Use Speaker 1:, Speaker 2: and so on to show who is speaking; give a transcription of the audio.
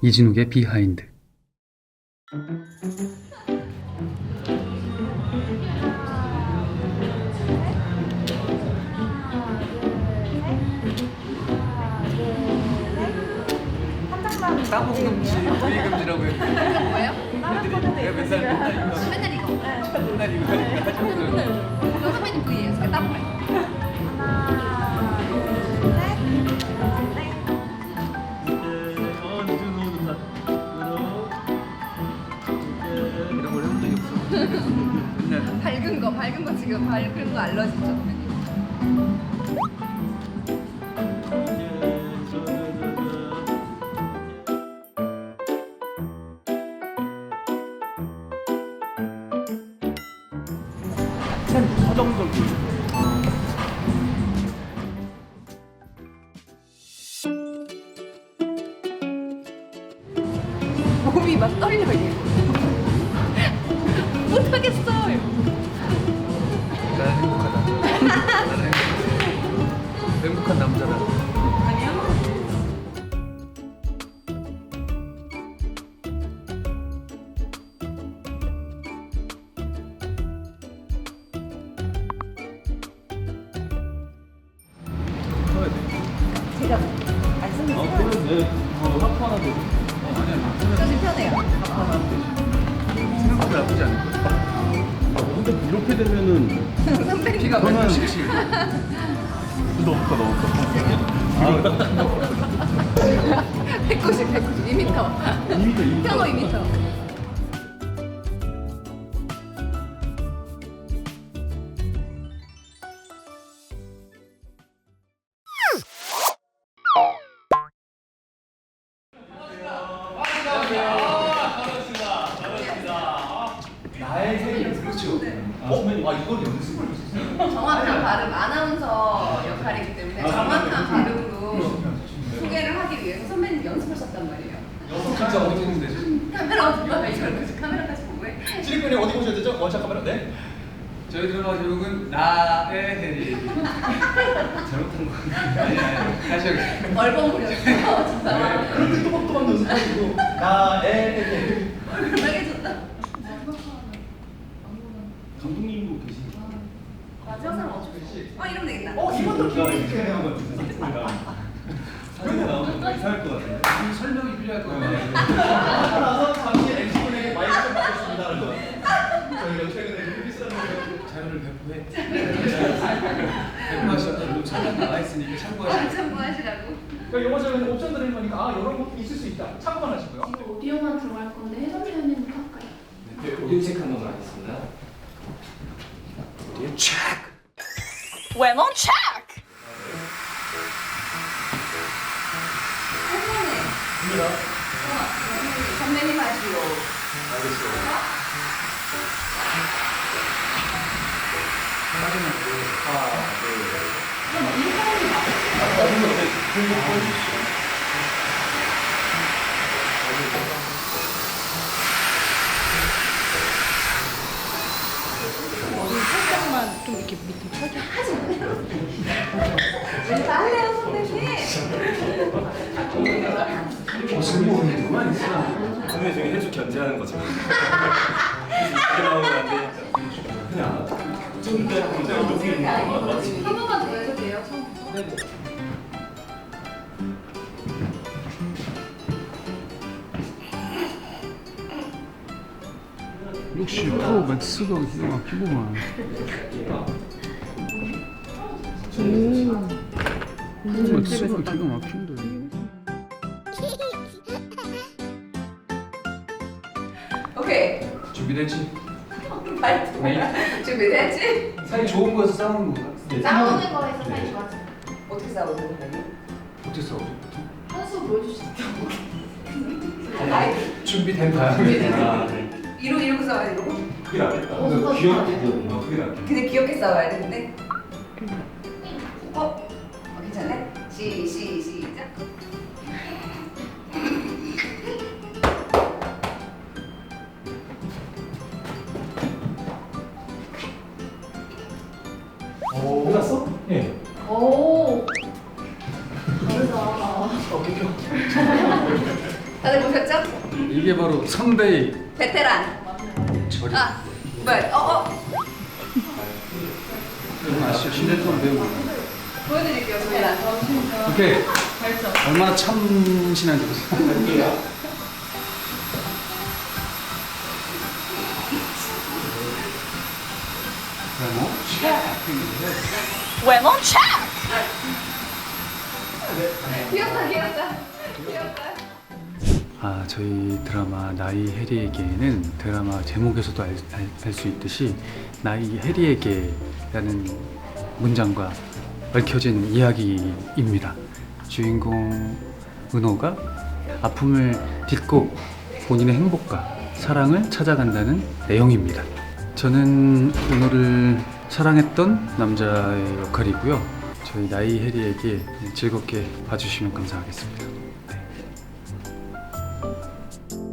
Speaker 1: 이진욱의 비하인드.
Speaker 2: 따봉금지, 부위금지라고 했는데
Speaker 3: 이거 뭐예요?
Speaker 2: 내가 맨날 이거
Speaker 3: 맨날 이거.
Speaker 2: 맨날 이거 하니까
Speaker 3: 이거 선배님 V예요. 제가 따봉 할게요.
Speaker 2: 이런 걸 해본 적이 없어. 맨날
Speaker 3: 밝은 거 지금 밝은 거 알러지죠, 선배님?
Speaker 4: 서정적인
Speaker 3: 몸이 막 떨려요. 못하겠어요.
Speaker 2: 나는 행복하다. 나는 행복한 남자다.
Speaker 3: 아니요.
Speaker 2: 커야 돼.
Speaker 3: 제가 말씀드렸어요.
Speaker 4: 그럼 내 하프 하나 더.
Speaker 3: 저 지금 편해요.
Speaker 2: 생각보다 나쁘지 않을 거야.
Speaker 4: 근데 이렇게 되면은
Speaker 3: 선배님.
Speaker 2: 키가
Speaker 4: 저는-
Speaker 2: 167.
Speaker 4: 너무 커.
Speaker 3: 190, 2m.
Speaker 4: 2m.
Speaker 3: 평호 2m.
Speaker 2: 나의 생일 그렇죠. 이걸 연습을 했었어요.
Speaker 3: 정확한 발음, 아나운서 역할이기 때문에 정확한 발음으로 소개를 하기 위해서 선배님 연습하셨단 말이에요.
Speaker 2: 진짜 어디 찍는 데지?
Speaker 3: 카메라 어디 봐? 이걸 카메라까지 보고 해.
Speaker 5: 찌릿군이 어디 보셔야 되죠? 원샷 카메라. 네.
Speaker 2: 저희들은 제목은 나의 해리. 잘못한 거 아니에요. 다시 하겠습니다.
Speaker 3: 얼버무렸어. 진짜.
Speaker 5: 그런데 또박또박 연습하시고 나의
Speaker 3: 얼마나
Speaker 4: 감독님도 계시니까.
Speaker 3: 마지막 사람 어쩔 수 없어. 이러면 되겠다.
Speaker 5: 이것도 기억해.
Speaker 4: 사진이 나오면 이상할 것 같은데.
Speaker 2: 설명이 필요할 것 같아요.
Speaker 5: 나서 잠시 엑스분에게 마이크 좀 받겠습니다라는 거. 저희가 최근에 루비스라는
Speaker 2: 자료를 배포해. 배포하시고 설명 나와 있으니까 참고하시고.
Speaker 3: 참고하시라고.
Speaker 5: 그러니까 영어 저희는 옵션 드리는 거니까 이런 것도 있을 수 있다. 참고만 하시고요.
Speaker 6: 이거 오디오만 들어갈 건데 해설 표현은 할까요?
Speaker 7: 네, 오디오 체크 한 번만 하겠습니다. 오디오 체크!
Speaker 3: When on check. 선배님 하시오. 살짝만 좀 이렇게 밑에 펴줘. 하지 마요. 왜 다 할래요, 선배님?
Speaker 2: 승부하는구만.
Speaker 4: 선배 중에 해주 견제하는 거죠. 이렇게 나오면 안 되니까. 그냥 근데 이렇게 있는 거 맞지?
Speaker 6: 한 번만 더 해도 돼요, 처음부터?
Speaker 1: 역시 프로 맥스가 기가 막히구만. 프로 맥스가 기가 막힌데.
Speaker 3: 오케이.
Speaker 2: 준비됐지?
Speaker 3: 말투 준비됐지?
Speaker 2: 사이 좋은 거에서 싸우는 건가?
Speaker 6: 싸우는 거에서 사이 좋아져요.
Speaker 3: 어떻게 싸우세요, 선배님?
Speaker 2: 어떻게 싸우죠?
Speaker 6: 한수 보여줄 수 있죠?
Speaker 3: 아이,
Speaker 2: 준비된 다음에.
Speaker 4: 아, 네.
Speaker 3: 이러고 싸워야 돼, 이러고?
Speaker 4: 그게 낫겠다.
Speaker 6: 어,
Speaker 4: 귀엽게 되거든요. 그게 낫겠다.
Speaker 3: 근데 귀엽게 싸워야 되는데. 괜찮네? 시작.
Speaker 5: 끝났어? 예.
Speaker 6: 오. 다르다.
Speaker 3: 다들 보셨죠?
Speaker 1: 이게 바로 선배의
Speaker 3: 베테랑.
Speaker 1: 절이.
Speaker 3: 아, 뭐야?
Speaker 1: 그건 아시죠? 신대통 배우.
Speaker 3: 보여드릴게요. 베테랑.
Speaker 1: 오케이. 얼마나 참신한지 보세요.
Speaker 3: 외모 차! 귀엽다, 귀엽다. 귀엽다.
Speaker 1: 아, 저희 드라마 나이 해리에게는 드라마 제목에서도 알 수 있듯이 나이 해리에게라는 문장과 얽혀진 이야기입니다. 주인공 은호가 아픔을 딛고 본인의 행복과 사랑을 찾아간다는 내용입니다. 저는 은호를 사랑했던 남자의 역할이고요. 저희 나이 해리에게 즐겁게 봐주시면 감사하겠습니다. 네.